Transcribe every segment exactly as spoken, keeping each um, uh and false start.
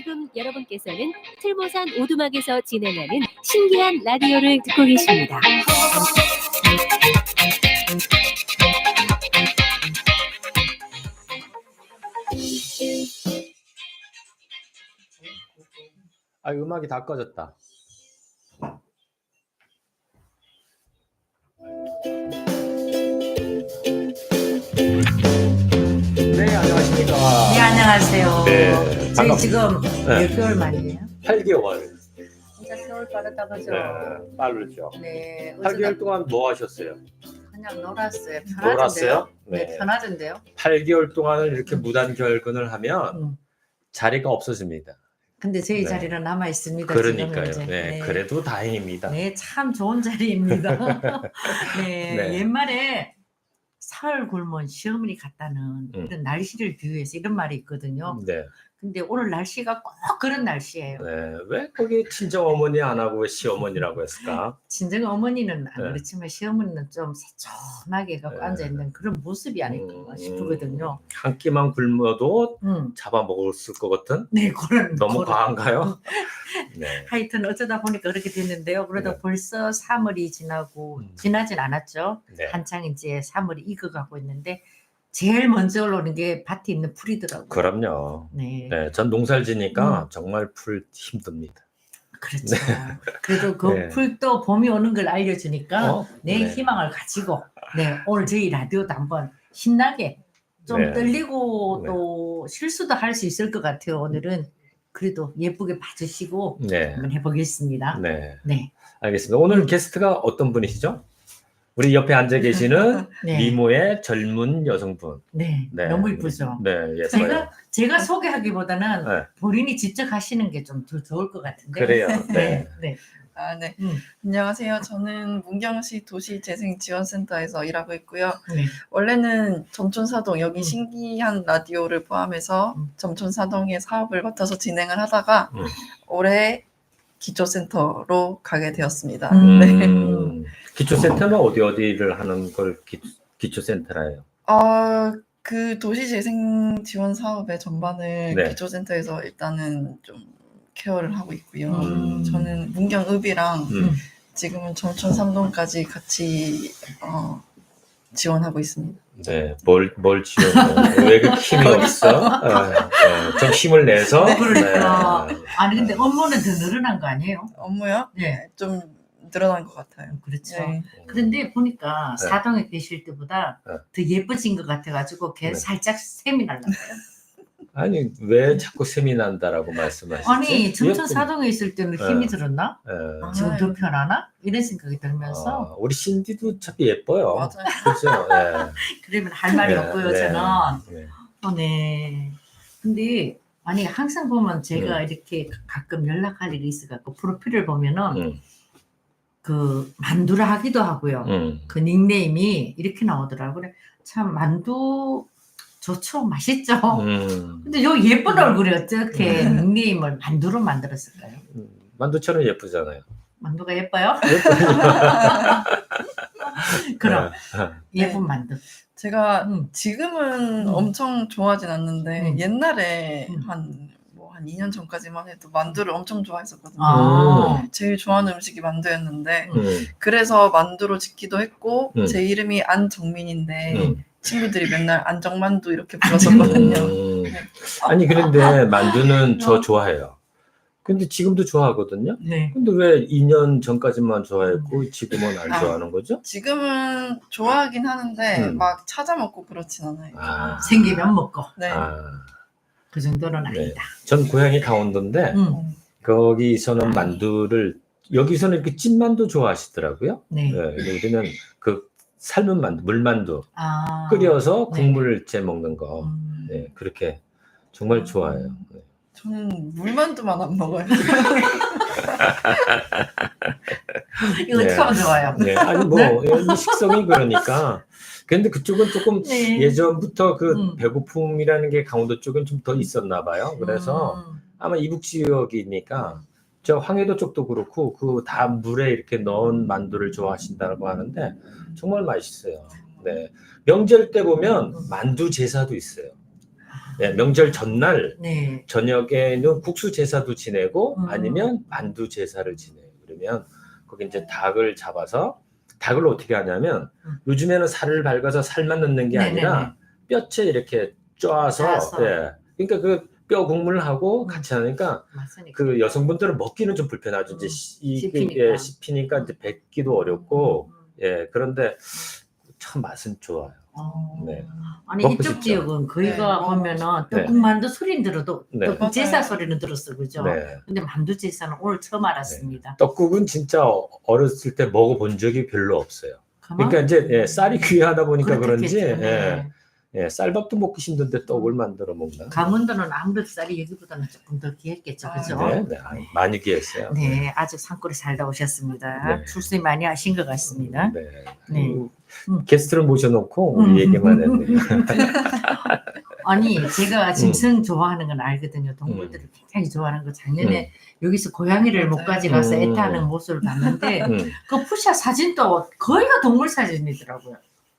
지금 여러분께서는 틀모산 오두막에서 진행하는 신기한 라디오를 듣고 계십니다. 아, 음악이 다 꺼졌다. 네, 안녕하십니까. 네, 안녕하세요. 네, 저희 반갑- 지금 네. 몇 개월 만이에요? 팔 개월. 진짜 세월 빠르다, 그죠? 네, 빠르죠. 네. 팔 개월 어쩌다 동안 뭐 하셨어요? 그냥 놀았어요. 편하던데요? 놀았어요? 네, 네. 편하던데요? 팔 개월 동안을 이렇게 무단 결근을 하면 음. 자리가 없어집니다. 근데 저희 네. 자리는 남아 있습니다. 그러니까요. 지금은 이제. 네, 그래도 다행입니다. 네, 참 좋은 자리입니다. 네, 네. 옛말에 사흘 굶은 시어머니 같다는 음. 이런 날씨를 비유해서 이런 말이 있거든요. 네. 근데 오늘 날씨가 꼭 그런 날씨예요. 네. 왜 거기 친정 어머니 안 하고 왜 시어머니라고 했을까? 친정 어머니는 안 네. 그렇지만 시어머니는 좀 새초하게 갖고 네. 앉아있는 그런 모습이 아닐까 음, 싶거든요. 한 끼만 굶어도 음. 잡아먹었을 것 같은? 네, 그런 너무 그런- 과한가요? 네. 하여튼 어쩌다 보니까 그렇게 됐는데요. 그래도 네. 벌써 삼월이 지나고 음. 지나진 않았죠. 네. 한창 이제 삼월이 익어가고 있는데 제일 먼저 올라오는 게 밭에 있는 풀이더라고요. 그럼요. 네, 네, 전 농사를 지니까 음. 정말 풀 힘듭니다. 그렇죠. 그래도 그 네. 풀도 봄이 오는 걸 알려주니까 어? 내 네. 희망을 가지고 네, 오늘 저희 라디오도 한번 신나게 좀 네. 떨리고 네. 또 실수도 할 수 있을 것 같아요. 오늘은 그래도 예쁘게 봐주시고 네. 한번 해보겠습니다. 네. 네. 알겠습니다. 오늘 게스트가 어떤 분이시죠? 우리 옆에 앉아 계시는 네. 미모의 젊은 여성분. 네. 네. 너무 이쁘죠. 네, 예뻐요. 제가 제가 소개하기보다는 네. 본인이 직접 하시는 게 좀 더 좋을 것 같은데. 그래요. 네. 네. 네. 아, 네. 음, 안녕하세요. 저는 문경시 도시재생지원센터에서 일하고 있고요. 네. 원래는 점촌사동, 여기 음. 신기한 라디오를 포함해서 음. 점촌사동의 사업을 맡아서 진행을 하다가 음. 올해 기초센터로 가게 되었습니다. 음. 네. 음, 기초센터는 어디 어디를 하는 걸 기, 기초센터라요? 어, 그 도시재생지원 사업의 전반을 네. 기초센터에서 일단은 좀 케어를 하고 있고요. 음. 저는 문경읍이랑 음. 지금은 점촌 삼동까지 같이 어, 지원하고 있습니다. 네, 뭘, 뭘 지원해? 왜 그 힘이 없어? 어, 어, 좀 힘을 내서. 그러니까. 네. 아니 근데 업무는 더 늘어난 거 아니에요? 업무요? 네. 좀 늘어난 것 같아요. 그렇죠. 네. 그런데 보니까 네. 사동에 계실 때보다 네. 더 예뻐진 것 같아가지고 걔 네. 살짝 셈이 날라요. 아니, 왜 자꾸 셈이 난다라고 말씀하시지? 아니 점촌 예쁜- 사동에 있을 때는 네. 힘이 들었나? 예. 지금 더 아유. 편하나? 이런 생각이 들면서 아, 우리 신디도 참 예뻐요. 맞아요. 그렇죠. 네. 그러면 할 말이 네, 없고요. 네. 저는 네. 어, 네. 근데 아니 항상 보면 제가 음. 이렇게 가끔 연락할 일이 있어갖고 프로필을 보면은 음, 그 만두라 하기도 하고요. 음. 그 닉네임이 이렇게 나오더라고요. 그래, 참 만두 좋죠, 맛있죠. 음. 근데 요 예쁜 얼굴이 어떻게 닉네임을 만두로 만들었을까요? 음, 만두처럼 예쁘잖아요. 만두가 예뻐요? 그럼 네. 예쁜 만두. 제가 음. 지금은 음. 엄청 좋아하진 않는데 음. 옛날에 음. 한 뭐 한 이 년 전까지만 해도 만두를 엄청 좋아했었거든요. 아, 제일 좋아하는 음식이 만두였는데 음, 그래서 만두로 짓기도 했고 음. 제 이름이 안정민인데 음. 친구들이 맨날 안정만두 이렇게 불렀었거든요. 음. 네. 아니, 그런데 만두는 저 어. 좋아해요. 근데 지금도 좋아하거든요. 네. 근데 왜 이 년 전까지만 좋아했고 지금은 안 아. 좋아하는 거죠? 지금은 좋아하긴 하는데 음. 막 찾아 먹고 그렇진 않아요. 아. 생기면 먹고 네. 아, 그 정도는 네. 아니다. 전 고향이 강원도인데 음. 음. 거기서는 만두를 여기서는 이렇게 찐만두 좋아하시더라고요. 네. 네, 우리는 그 삶은 만두, 물만두 아. 끓여서 네. 국물을 째 먹는 거, 음. 네, 그렇게 정말 좋아해요. 네. 저는 물만두만 안 먹어요. 이거 네. 처음 좋아요. 네, 아니 뭐 이 식성이 그러니까. 근데 그쪽은 조금 네. 예전부터 그 음. 배고픔이라는 게 강원도 쪽은 좀 더 있었나 봐요. 그래서 음. 아마 이북 지역이니까 저 황해도 쪽도 그렇고 그 다 물에 이렇게 넣은 만두를 좋아하신다고 하는데 정말 맛있어요. 네, 명절 때 보면 만두 제사도 있어요. 네, 명절 전날 네. 저녁에는 국수 제사도 지내고 음. 아니면 만두 제사를 지내요. 그러면 거기 이제 닭을 잡아서 닭을 어떻게 하냐면 음. 요즘에는 살을 밝아서 살만 넣는 게 네네네. 아니라 뼈채 이렇게 쪄서 짜서. 예. 그러니까 그 뼈 국물하고 음. 같이 하니까 맞으니까. 그 여성분들은 먹기는 좀 불편하죠. 이제 음. 시- 이- 씹히니까. 예, 씹히니까 이제 뱉기도 어렵고 음, 음. 예 그런데 참 맛은 좋아요. 어. 네. 아니 먹고 이쪽 싶죠? 지역은 거기가 네, 보면은 네. 떡국만두 소리는 들어도 네. 떡국 제사 맞아요. 소리는 들었어, 그죠? 네. 근데 만두 제사는 오늘 처음 알았습니다. 떡국은 진짜 어- 어렸을 때 먹어본 적이 별로 없어요. 가만? 그러니까 이제 예, 쌀이 귀하다 보니까 그런지 그렇겠죠. 예, 네. 예, 쌀밥도 먹기 힘든데 떡을 만들어 먹나? 강원도는 아무래도 쌀이 여기보다는 조금 더 귀했겠죠, 아, 그죠? 네, 네, 아, 많이 귀했어요. 네, 아주 산골에 살다 오셨습니다. 네. 출세 많이 하신 것 같습니다. 네. 네. 음, 음. 게스트를 모셔놓고 음. 우리 얘기만 했네요. 아니, 제가 음. 짐승 좋아하는 건 알거든요. 동물들을 굉장히 좋아하는 거. 작년에 여기서 고양이를 못 맞아요. 가져가서 음. 애타는 모습을 봤는데 음. 그 푸샤 사진도 거의 다 동물 사진이더라고요.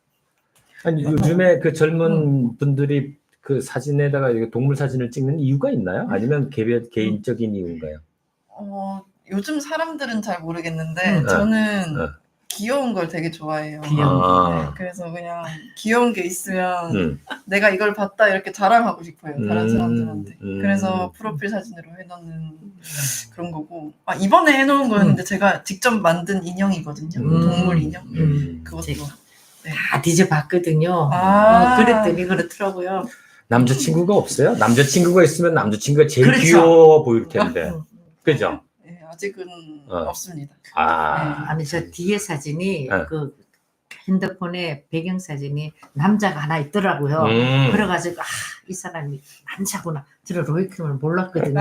아니, 요즘에 그 젊은 음. 분들이 그 사진에다가 이렇게 동물 사진을 찍는 이유가 있나요? 아니면 개별, 개인적인 이유인가요? 어, 요즘 사람들은 잘 모르겠는데 음. 저는 어. 귀여운 걸 되게 좋아해요. 귀여운 아. 그래서 그냥 귀여운 게 있으면 음. 내가 이걸 봤다 이렇게 자랑하고 싶어요. 다른 음. 사람들한테. 음. 그래서 프로필 사진으로 해놓는 그런 거고. 아, 이번에 해놓은 거였는데 제가 직접 만든 인형이거든요. 음. 동물 인형. 음. 그것도. 제가 다 뒤져봤거든요. 아. 어, 그랬더니 그렇더라고요. 남자친구가 없어요? 남자친구가 있으면 남자친구가 제일 그렇죠. 귀여워 보일 텐데. 음. 그죠? 네, 아직은 어. 없습니다. 아. 아니 저 뒤에 사진이 네. 그 핸드폰에 배경 사진이 남자가 하나 있더라고요. 음. 그래가지고 아, 이 사람이 남자구나. 저는 로이킴을 몰랐거든요.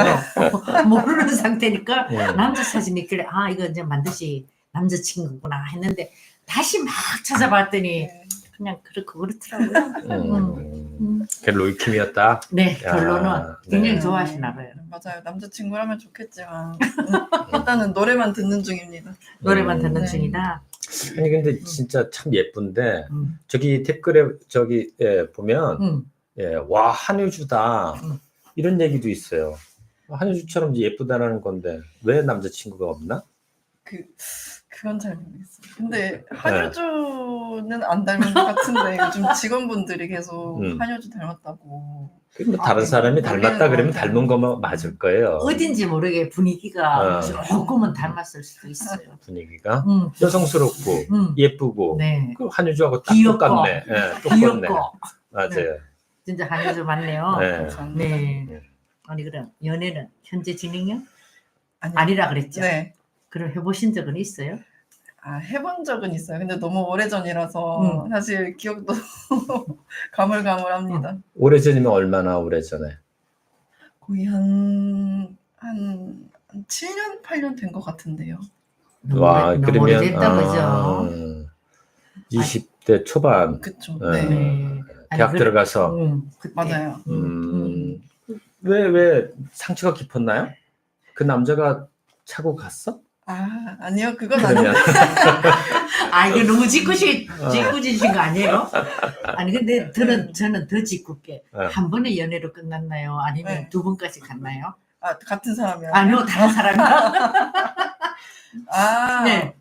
모르는 상태니까 음. 남자 사진이 있길래 아 이거 이제 반드시 남자친구구나 했는데 다시 막 찾아봤더니 네. 그냥 그렇고 그렇더라고요. 음. 음. 그 로이킴이었다. 네, 야, 결론은 굉장히 네. 좋아하시나 봐요. 맞아요. 남자친구라면 좋겠지만 음, 일단은 노래만 듣는 중입니다. 노래만 음. 듣는 네. 중이다. 아니 근데 진짜 참 예쁜데 음. 저기 댓글에 저기 예, 보면 음. 예, 와 한효주다 음. 이런 얘기도 있어요. 한효주처럼 예쁘다라는 건데 왜 남자친구가 없나? 그 그건 잘 모르겠어요. 근데 한효주는 안 닮은 것 같은데 요즘 직원분들이 계속 음. 한효주 닮았다고. 뭐 아, 다른 사람이 모르겠는 닮았다 것 그러면 같아요. 닮은 거면 맞을 거예요. 어딘지 모르게 분위기가 어. 조금은 닮았을 수도 있어요. 분위기가 음. 여성스럽고 음. 예쁘고 네. 그 한효주하고 딱 귀엽고. 똑같네. 예, 똑같네. 귀엽고 맞아요. 진짜 한효주 맞네요. 네. 감사합니다. 네. 네. 아니 그럼 연애는 현재 진행형? 아니, 아니라 그랬죠. 네. 그럼 해보신 적은 있어요? 아, 해본 적은 있어요. 근데 너무 오래전이라서 사실 기억도 가물가물합니다. 오래전이면 얼마나 오래전에? 거의 한, 한, 한 칠 년, 팔 년 된 것 같은데요. 너무, 와, 오래- 너무 그러면 오래됐다 그죠? 아, 이십 대 초반 그쵸. 네. 네. 네. 아니, 대학 그래- 들어가서 음, 그때. 맞아요. 음, 왜, 왜 상처가 깊었나요? 그 남자가 차고 갔어? 아, 아니요. 그건 그러면 아니에요. 아 이거 너무 짓궂이 어. 짓궂으신 거 아니에요? 아니 근데 저는 저는 더 짓궂게 네. 한 번의 연애로 끝났나요? 아니면 네. 두 번까지 갔나요? 아, 같은 사람이요. 아니요 다른 사람이요. 아, 네.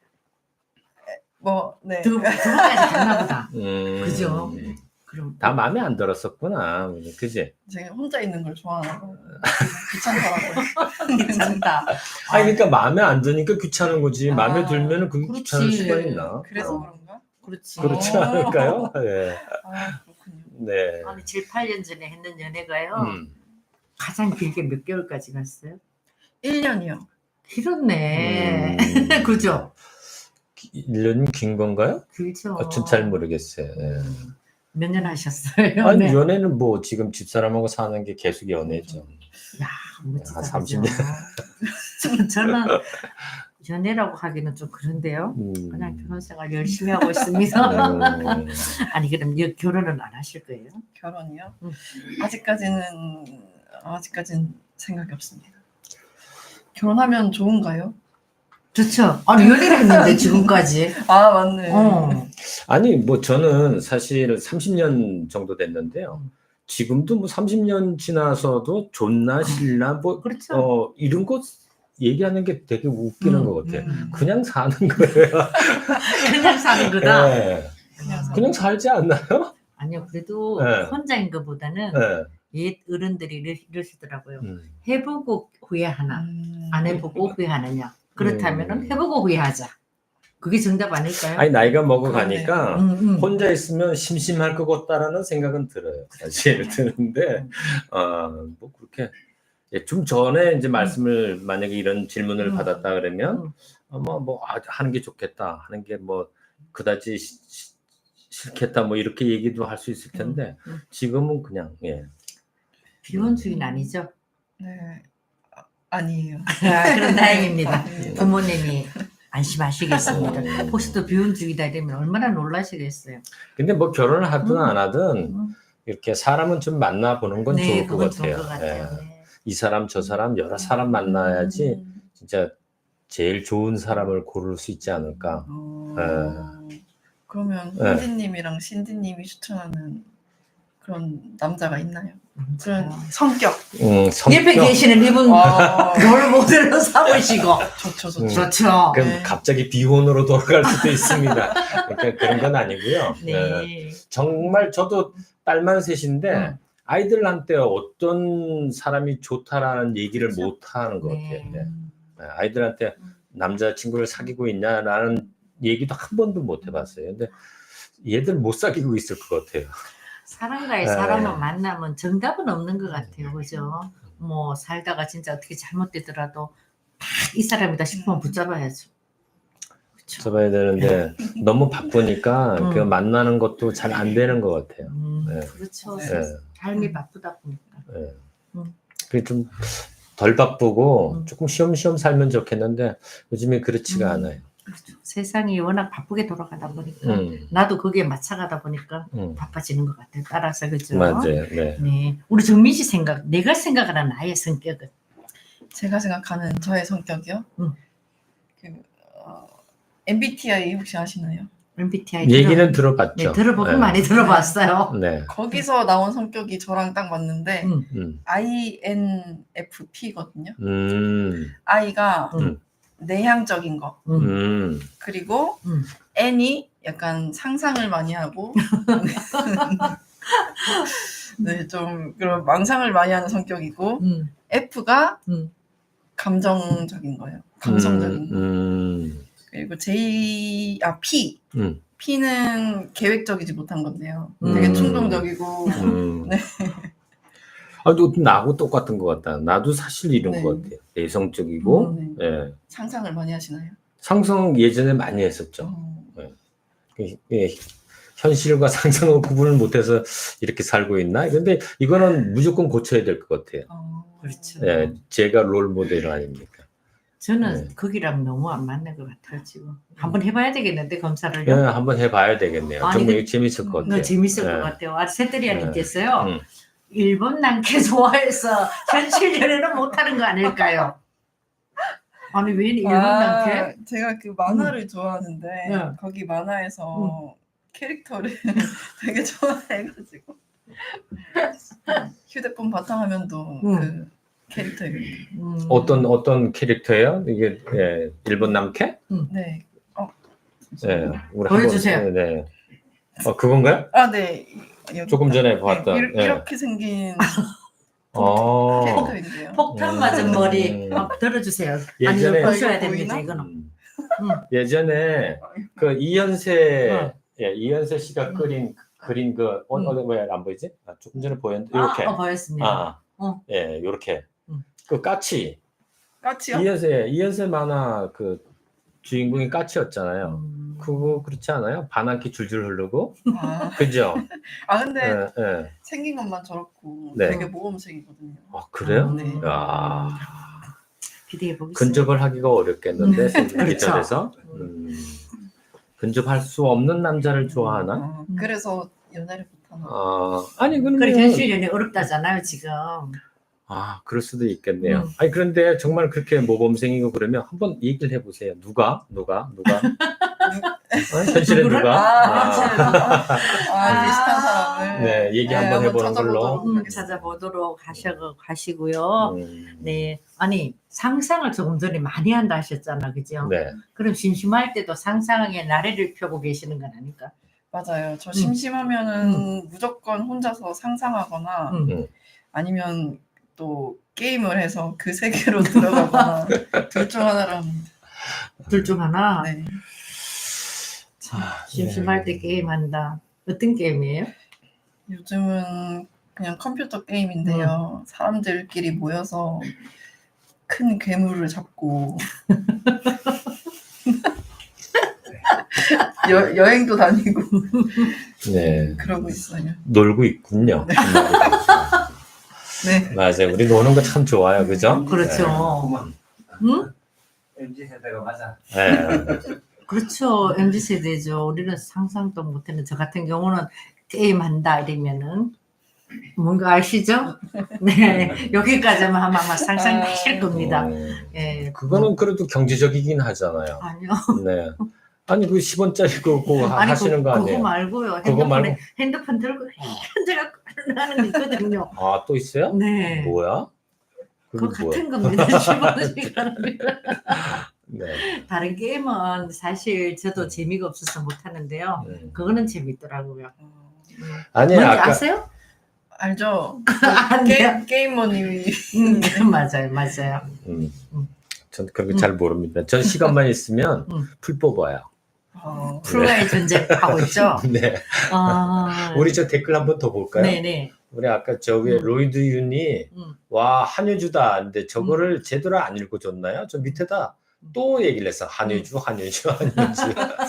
뭐, 네. 두, 두 번까지 갔나 보다. 음, 그죠? 그럼 다 마음에 안 들었었구나. 그지? 제가 혼자 있는 걸 좋아하고 귀찮더라고요. 괜찮다. 아니 그러니까 마음에 안 드니까 귀찮은 거지. 아, 마음에 들면은 그게 그렇지. 귀찮을 수가 있나? 그래서 어. 그런가? 그렇지. 그렇지 어. 않을까요? 네. 아, 그렇군요. 네. 아니 칠, 팔 년 전에 했는 연애가요. 음. 가장 길게 몇 개월까지 갔어요? 일 년이요. 길었네. 음. 그죠? 일 년이면 긴 건가요? 길죠. 어, 전잘 모르겠어요. 예. 몇 년 하셨어요? 아니 연애? 연애는 뭐 지금 집사람하고 사는 게 계속 연애죠. 야, 멋지다. 한 삼십 그죠? 저- 저는 연애라고 하기는 좀 그런데요. 음. 그냥 결혼 생활 열심히 하고 있습니다. 음. 아니 그럼 여- 결혼은 안 하실 거예요? 결혼이요? 음. 아직까지는 아직까지는 생각이 없습니다. 결혼하면 좋은가요? 좋죠. 아니 연애를 했는데 지금까지. 아, 맞네. 어. 아니 뭐 저는 사실 삼십 년 정도 됐는데요. 지금도 뭐 삼십 년 지나서도 좋나 싫나 뭐 그렇죠. 어, 이런 거 얘기하는 게 되게 웃기는 음, 것 같아요. 음. 그냥 사는 거예요. 그냥 사는 거다. 네. 그냥 사- 그냥 살지 않나요? 아니요, 그래도 네. 혼자인 것보다는 네. 옛 어른들이 이러- 이러시더라고요. 음. 해보고 후회하나, 음. 안 해보고 후회하느냐. 그렇다면은 음. 해보고 후회하자. 그게 정답 아닐까요? 아니 나이가 먹어가니까 음, 음. 혼자 있으면 심심할 것 같다라는 생각은 들어요. 사실 드는데 어, 뭐 그렇게 예, 좀 전에 이제 말씀을 만약에 이런 질문을 음. 받았다 그러면 음. 아마 뭐 아, 하는 게 좋겠다 하는 게 뭐 그다지 시- 시- 싫겠다 뭐 이렇게 얘기도 할 수 있을 텐데 음, 음. 지금은 그냥 예. 비혼주의는 아니죠. 네. 아, 아니에요. 아, 그럼 다행입니다. 아닙니다. 부모님이 안심하시겠습니다. 음. 혹시 또 비혼주의다 이러면 얼마나 놀라시겠어요. 근데 뭐 결혼을 하든 음. 안 하든 음. 이렇게 사람은 좀 만나보는 건 네, 좋을 것 그건 같아요. 좋은 것 같아요. 예. 네. 이 사람 저 사람 여러 사람 만나야지 음. 진짜 제일 좋은 사람을 고를 수 있지 않을까. 어. 그러면 네. 현진님이랑 신디님이 추천하는 그런 남자가 있나요? 그런 참. 성격. 음, 성격. 옆에 계시는 이분 아, 롤 모델로 삼으시고 좋죠, 음. 좋죠. 좋죠. 그럼 네. 갑자기 비혼으로 돌아갈 수도 있습니다. 그러니까 그런 건 아니고요. 예. 네. 정말 저도 딸만 셋인데 음. 아이들한테 어떤 사람이 좋다라는 얘기를 그렇죠. 못 하는 것 네. 같아요. 네. 네, 아이들한테 남자친구를 사귀고 있냐라는 얘기도 한 번도 못 해봤어요. 근데 얘들 못 사귀고 있을 것 같아요. 사람과의 네. 사람을 만나면 정답은 없는 것 같아요. 그죠? 뭐 살다가 진짜 어떻게 잘못되더라도 딱 이 사람이다 싶으면 붙잡아야죠. 그렇죠. 잡아야 되는데 너무 바쁘니까 음. 그 만나는 것도 잘 안 되는 것 같아요. 음, 네. 그렇죠. 네. 예, 삶이 바쁘다 보니까. 예. 음. 그게 좀 덜 바쁘고 음. 조금 쉬엄쉬엄 살면 좋겠는데 요즘에 그렇지가 음. 않아요. 그렇죠. 세상이 워낙 바쁘게 돌아가다 보니까 음, 나도 거기에 맞춰가다 보니까 음. 바빠지는 것 같아요. 따라서 그죠? 맞아요. 네. 네. 우리 정민 씨 생각, 내가 생각하는 나의 성격은 제가 생각하는 저의 성격이요. 음. 그 어, 엠비티아이 혹시 아시나요? 엠비티아이 얘기는 들어, 들어봤죠. 네, 들어보고 네. 많이 들어봤어요. 네. 거기서 나온 성격이 저랑 딱 맞는데 음. 음. 아이엔에프피거든요. 음. I가 음. 내향적인 거, 음. 음. 그리고 음. N이 약간 상상을 많이 하고 네, 좀 그런 망상을 많이 하는 성격이고 음. F가 음. 감정적인 거예요. 감성적인 거. 음. 그리고 J 아 P 음. P는 계획적이지 못한 건데요. 음. 되게 충동적이고 음. 네. 아, 너 나하고 똑같은 것 같다. 나도 사실 이런 네. 것 같아요. 내성적이고, 음, 예. 상상을 많이 하시나요? 상상 예전에 많이 했었죠. 어, 예, 예, 현실과 상상을 구분을 못해서 이렇게 살고 있나? 근데 이거는 무조건 고쳐야 될 것 같아요. 어, 그렇죠. 예, 제가 롤 모델 아닙니까? 저는 네. 거기랑 너무 안 맞는 것 같아요 지금. 한번 해봐야 되겠는데 예, 검사를요. 한번 해봐야 되겠네요. 아니, 정말 그- 재밌을 것 같아요. 너무 재밌을 예. 것 같아요. 아, 새들이아님께서요. 음. 일본 남캐 좋아해서 현실 연애는 못하는 거 아닐까요? 아니 왜 일본 남캐? 아, 제가 그 만화를 좋아하는데 네. 거기 만화에서 캐릭터를 되게 좋아해가지고 휴대폰 바탕화면도 음. 그 캐릭터예요. 음. 어떤 어떤 캐릭터예요? 이게 예, 일본 남캐? 네. 어. 예, 우리 보여주세요. 한번, 네, 네. 어 그건가요? 아, 네. 여기 조금 있다. 전에 봤던. 네, 이렇게, 예. 이렇게 생긴 어. 캐릭터인데요. 폭탄 음. 맞은 머리 음. 한번 들어주세요. 예전에- 아니 이거 보셔야 이거 됩니다. 보이나? 이거는. 음. 음. 예전에 그 이현세 어. 예, 이현세 씨가 음. 그린 그린 그 어, 음. 어, 왜 안 보이지? 아, 조금 전에 보였는데 이렇게 아, 어, 보였습니다. 아, 어. 예, 이렇게 음. 그 까치 까치요? 이현세 이현세 만화 그 주인공이 까치였잖아요. 음. 그거 그렇지 않아요? 반항기 줄줄 흐르고 아, 그죠? 아 근데 예, 예. 생긴 것만 저렇고 네. 되게 모범생이거든요. 아, 그래요? 음. 네. 야, 기대해 보겠습니다. 근접을 하기가 어렵겠는데 음. 생기기 그렇죠. 전에서 음. 근접할 수 없는 남자를 좋아하나? 어, 음. 그래서 연애를 못하나. 아, 아니 그래 그러면 현실 연애 어렵다잖아요 지금. 아, 그럴 수도 있겠네요. 음. 아니 그런데 정말 그렇게 모범생이고 그러면 한번 얘기를 해보세요. 누가? 누가? 누가? 어? 현실에 누구를? 누가? 아, 아, 아, 비슷한 사람. 네, 네, 얘기 한번 네, 해보는 걸로. 찾아보도록 음, 하겠습니다. 찾아보도록 하셔 가시고요. 음, 네, 아니 상상을 조금 전에 많이 한다 하셨잖아, 그죠? 네. 그럼 심심할 때도 상상의 나래를 펴고 계시는 건 아닐까? 맞아요. 저 심심하면은 무조건 혼자서 상상하거나 음. 음. 아니면 또 게임을 해서 그 세계로 들어가거나 둘 중 하나를 합니다. 둘 중 하나. 네. 아, 심심할 네. 때 게임한다. 어떤 게임이에요? 요즘은 그냥 컴퓨터 게임인데요. 사람들끼리 모여서 큰 괴물을 잡고 여, 여행도 다니고 네. 그러고 있어요. 놀고 있군요. 네. 맞아요. 우리 노는 거 참 좋아요. 그죠? 그렇죠. 응? 엠지 세대가 맞아. 네. 그렇죠. 엠지 세대죠. 우리는 상상도 못했는 저 같은 경우는 게임한다 이러면은 뭔가 아시죠? 네, 여기까지만 하면 아마 상상하실 겁니다. 음, 예, 그거는 그래도 경제적이긴 하잖아요. 아니요. 네. 아니 그 십 원짜리 그거 아니 하시는 그, 거 아니에요? 그거 말고요. 그거 핸드폰에 말고? 핸드폰 들고 현재가 하는 게 있거든요. 아, 또 있어요? 네. 뭐야? 그거 그게 뭐야? 같은 겁니다. 십 원씩 합니다. 네. 다른 게임은 사실 저도 음. 재미가 없어서 못 하는데요. 음. 그거는 재밌더라고요. 어, 음. 아니 뭔지 아까 아세요? 알죠? 안 돼요? 게임, 게이머님이 음, 맞아요, 맞아요. 음. 음. 전 그런 거 잘 모릅니다. 전 시간만 있으면 음. 풀 뽑아요. 어, 프로의 존재하고 있죠. 네. 아, 우리 저 댓글 한번 더 볼까요? 네네. 우리 아까 저 위에 음. 로이드 윤이 음. 와 한효주다. 근데 저거를 제대로 안 읽어줬나요? 저 밑에다 또 얘기를 했어. 한효주, 한효주, 한효주.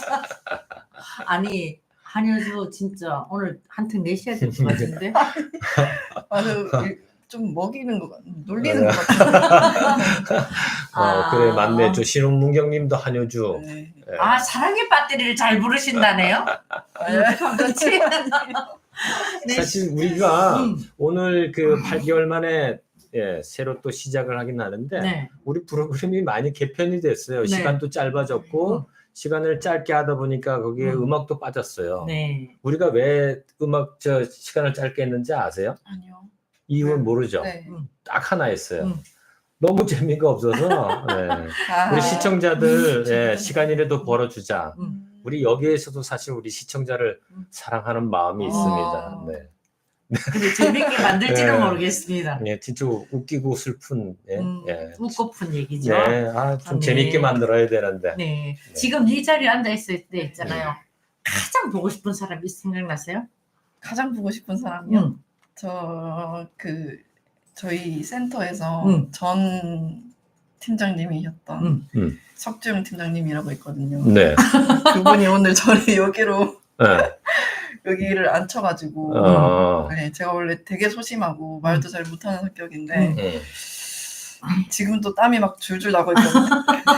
아니 한효주 진짜 오늘 한턱 내셔야 될 것 같은데. 아주 좀 먹이는 것 같, 놀리는 것 같아요. 어, 그래 맞네. 저 신혼문경님도 한효주. 네. 예. 아 사랑의 배터리를 잘 부르신다네요. 그렇지. 네. 사실 우리가 음. 오늘 그 팔 개월 만에 예, 새로 또 시작을 하긴 하는데 네. 우리 프로그램이 많이 개편이 됐어요. 네. 시간도 짧아졌고 음. 시간을 짧게 하다 보니까 거기에 음. 음. 악도 빠졌어요. 네. 우리가 왜 음악 저 시간을 짧게 했는지 아세요? 아니요. 이유는 네. 모르죠. 네. 딱 하나 있어요. 음. 너무 재미가 없어서 네. 아, 우리 시청자들 음. 예, 시간이라도 벌어주자. 음. 우리 여기에서도 사실 우리 시청자를 음. 사랑하는 마음이 아. 있습니다. 네. 근데 재밌게 만들지는 네. 모르겠습니다. 예, 진짜 웃기고 슬픈 예, 음, 예. 웃고픈 얘기죠. 네, 아, 좀 아, 네. 재밌게 만들어야 되는데. 네. 지금 이 자리에 앉아 있을 때 있잖아요. 가장 보고 싶은 사람이 생각나세요? 가장 보고 싶은 사람이요. 음. 저 그 저희 센터에서 음. 전 팀장님이셨던 음. 음. 석주영 팀장님이라고 있거든요. 네. 그분이 오늘 저를 여기로 네. 여기를 앉혀가지고 어, 네, 제가 원래 되게 소심하고 말도 잘 못하는 성격인데 음. 음. 지금 또 땀이 막 줄줄 나고 있거든요.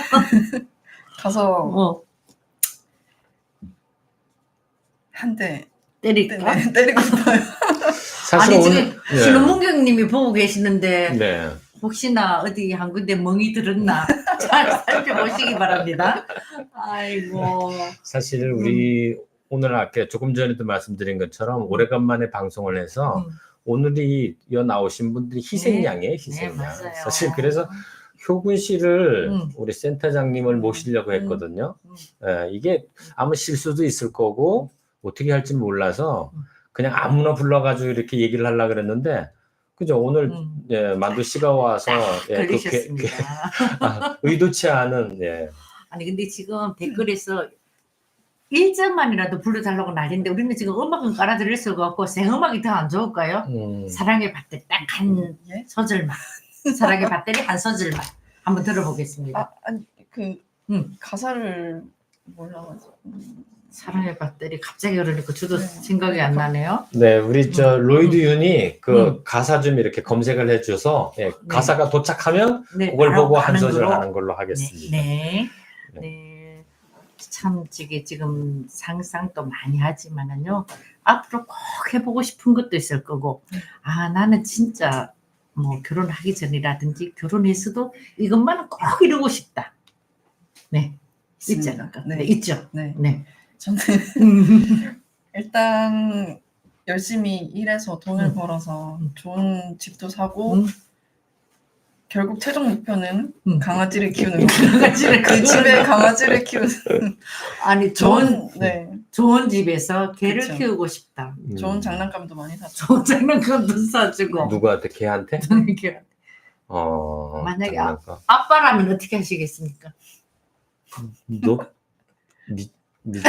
가서 어, 한 대 때릴까? 네, 때리고 싶어요. 사실 아니 오늘 지금 신혼문경님이 보고 계시는데 네. 혹시나 어디 한 군데 멍이 들었나 잘 살펴보시기 바랍니다. 아이고. 사실 우리 오늘 아까 조금 전에도 말씀드린 것처럼 오래간만에 방송을 해서 음. 오늘이 여 나오신 분들이 희생양이에요, 네, 희생양. 맞아요. 사실 그래서 효군 씨를 음. 우리 센터장님을 모시려고 음. 했거든요. 음. 예, 이게 아무 실수도 있을 거고 어떻게 할지 몰라서 음. 그냥 아무나 불러가지고 이렇게 얘기를 하려고 그랬는데 그죠? 오늘 음. 예, 만두 씨가 와서 예, 그 개- 걸리셨습니다. 개- 아, 의도치 않은 예. 아니 근데 지금 댓글에서 일 점만이라도 불러달라고 난리인데 우리는 지금 음악은 깔아드릴 수가 없고 생음악이 더 안 좋을까요? 음, 사랑의 밭대 딱 한 예? 소절만 사랑의 밭대리 한 소절만 한번 들어보겠습니다. 아, 아니 그 음. 가사를 몰라가지고 음, 사랑의 밭대리 갑자기 그러니까 저도 네. 생각이 안 나네요. 네, 우리 저 음. 로이드 윤이 그 음. 가사 좀 이렇게 검색을 해줘서 예, 가사가 도착하면 네, 그걸 바로 보고 한 하는 소절 거로. 하는 걸로 하겠습니다. 네. 네. 네. 참 이게 지금 상상도 많이 하지만은요. 앞으로 꼭 해보고 싶은 것도 있을 거고. 아 나는 진짜 뭐 결혼하기 전이라든지 결혼해서도 이것만은 꼭 이루고 싶다. 네. 있지 있습니다. 않을까? 네. 네. 있죠. 네. 네. 저는 음. 일단 열심히 일해서 돈을 음. 벌어서 음. 좋은 집도 사고 음. 결국 최종 목표는 음. 강아지를 키우는 거. 강아지를 그 집에 강아지를 키우는 아니 좋은 좋은 네 좋은 집에서 개를 그쵸. 키우고 싶다. 음. 좋은 장난감도 많이 사죠. 좋은 장난감도 사주고. 누구한테 걔한테? 이렇게. 어. 만약에 장난감. 아빠라면 어떻게 하시겠습니까? 너 미, 미...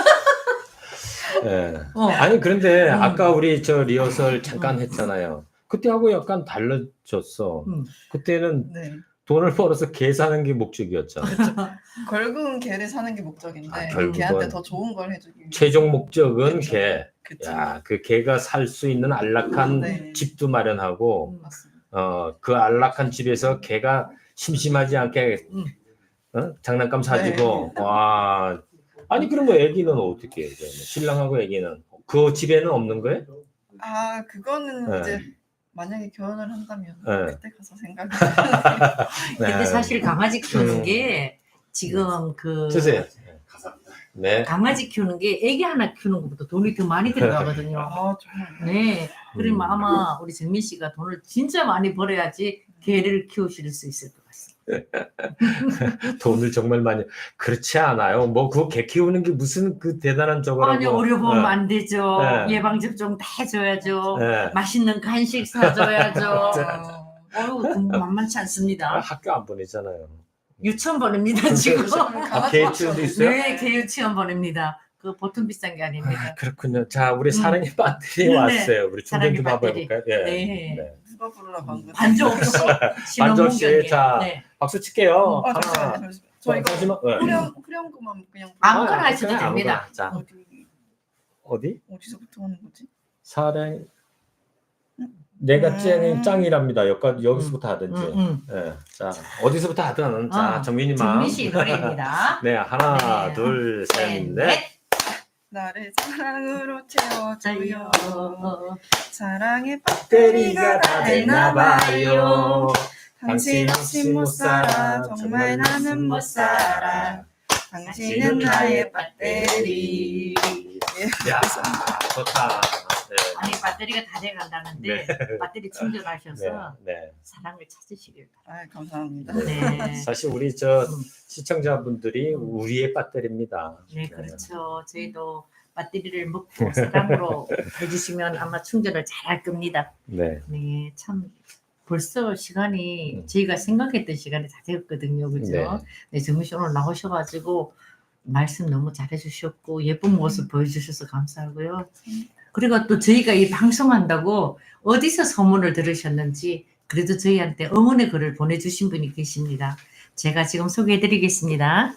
예. 어. 아니 그런데 음. 아까 우리 저 리허설 잠깐 했잖아요. 그때하고 약간 달라졌어. 음. 그때는 네 돈을 벌어서 개 사는 게 목적이었잖아. 결국은 개를 사는 게 목적인데 아, 결국은 개한테 더 좋은 걸 해주기 위해 최종 목적은 그쵸. 개. 그쵸. 야, 그 개가 살 수 있는 안락한 네. 집도 마련하고 맞습니다. 어, 그 안락한 집에서 개가 심심하지 않게 음. 어? 장난감 사주고 네. 와. 아니 그러면 애기는 어떻게 해? 그러면? 신랑하고 애기는 그 집에는 없는 거예요? 아 그거는 네. 이제 만약에 결혼을 한다면 네. 그때 가서 생각해. 근데 네. 사실 강아지 키우는 음. 게 지금 그 주세요. 네. 강아지 키우는 게 애기 하나 키우는 것보다 돈이 더 많이 들어가거든요. 아 정말. 네. 그러면 음. 아마 우리 정민 씨가 돈을 진짜 많이 벌어야지 개를 키우실 수 있을 것 같습니다. 돈을 정말 많이 그렇지 않아요. 뭐 그 개 키우는 게 무슨 그 대단한 저거라고. 아니 어려보면 네. 안 되죠. 네. 예방접종 다 해줘야죠. 네. 맛있는 간식 사줘야죠. 어, 어휴 돈 만만치 아, 않습니다. 학교 안 보내잖아요. 유치원 보냅니다 지금. 강아지 개 키우는 키우도 있어요? 네, 개 유치원 보냅니다. 그 보통 비싼 게 아, 아닙니다. 그렇군요. 자, 우리 음. 사랑의 배터리 네. 왔어요. 우리 충전 사랑의 좀 한번 배터리. 해볼까요? 예. 네. 네. 누가 부르라 방금. 반주 없이 반주 없이, 신혼문경에. 자. 네. 박수 칠게요. 아 하나. 잠시만요. 잠시만요. 저 이거 잠시만. 네. 후렴 후렴구만 그냥 아무거나 아, 하셔도 그냥 됩니다. 아무거나. 자, 어디 어디? 어디서부터 하는 거지? 사랑. 내가 음. 짱이 짱이랍니다. 여기 여기서부터 하든지. 음, 음. 자, 자, 어디서부터 하든. 자, 어, 정민이만. 정민 씨 노래입니다. 네, 하나, 네. 둘, 셋, 셋, 넷. 나를 사랑으로 채워줘요. 어, 사랑의 배터리가 배터리가 다 다 됐나봐요. 됐나봐요. 당신 없이 못 살아. 정말 나는 못 살아. 당신은 나의 배터리. 예. 야, 좋다. 네. 아니 배터리가 다 돼간다는데 배터리 충전하셔서 네, 네. 사랑을 찾으시길 아 감사합니다. 바랍니다. 네. 사실 우리 저 음. 시청자분들이 우리의 배터리입니다. 네, 그렇죠. 저희도 배터리를 먹고 사랑으로 해주시면 아마 충전을 잘 할 겁니다. 네. 네, 참 벌써 시간이 음. 저희가 생각했던 시간이 다 되었거든요, 그죠? 네. 네, 정민 씨 오늘 나오셔가지고 말씀 너무 잘해주셨고 예쁜 모습 보여주셔서 감사하고요. 그리고 또 저희가 이 방송한다고 어디서 소문을 들으셨는지 그래도 저희한테 응원의 글을 보내주신 분이 계십니다. 제가 지금 소개해드리겠습니다.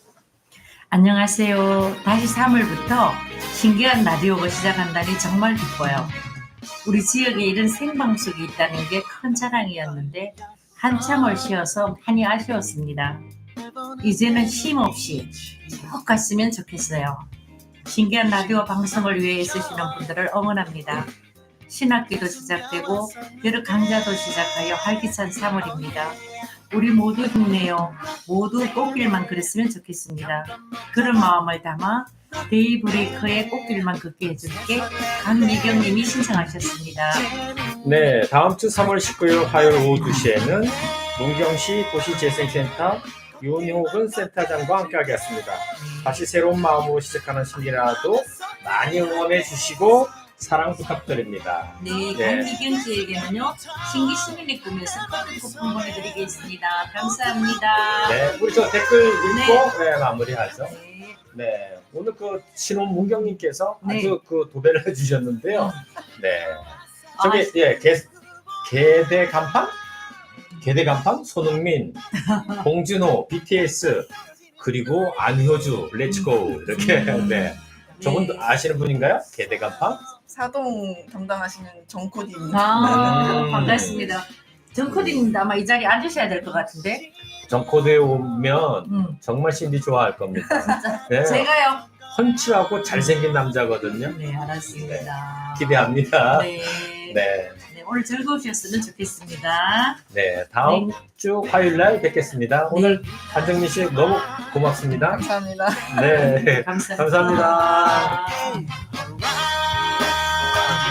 안녕하세요. 다시 삼 월부터 신기한 라디오가 시작한다니 정말 기뻐요. 우리 지역에 이런 생방송이 있다는 게 큰 자랑이었는데 한참을 쉬어서 많이 아쉬웠습니다. 이제는 쉼 없이 쭉 갔으면 좋겠어요. 신기한 라디오 방송을 위해 애쓰시는 분들을 응원합니다. 신학기도 시작되고 여러 강좌도 시작하여 활기찬 삼 월입니다. 우리 모두 힘내요. 모두 꽃길만 걸었으면 좋겠습니다. 그런 마음을 담아 데이브레이커의 꽃길만 걷게 해줄게 강미경님이 신청하셨습니다. 네, 다음 주 삼월 십구일 화요일 오후 두 시에는 문경시 도시재생센터 윤호근 센터장과 함께하겠습니다. 다시 새로운 마음으로 시작하는 신기라도 많이 응원해 주시고 사랑 부탁드립니다. 네, 네. 강미경 씨에게는요 신기 시민의 꿈에서 커피 쿠폰 보내드리겠습니다. 감사합니다. 네, 우리 저 댓글 읽고 네, 마무리하죠. 네. 네, 오늘 그 신혼 문경님께서 네. 아주 그 도배를 해주셨는데요. 네, 저기 아, 예, 개 개대 간판, 개대 간판, 손흥민, 봉준호, 비티에스 그리고 안효주, 렛츠고 이렇게 음. 네, 저분도 아시는 분인가요? 개대 간판? 사동 담당하시는 정코디입니다. 아, 음. 반갑습니다. 정코디님 아마 이 자리에 앉으셔야 될 것 같은데. 정코드에 오면 음. 정말 신디 좋아할 겁니다. 네, 제가요. 펀치하고 잘생긴 남자거든요. 네, 알았습니다. 기대합니다. 네. 네, 네, 오늘 즐거우셨으면 좋겠습니다. 네, 다음 네. 주 화요일 날 뵙겠습니다. 오늘 한정민 씨 너무 고맙습니다. 감사합니다. 네, 감사합니다. 감사합니다. 감사합니다.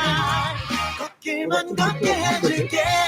길만 걷게 해줄게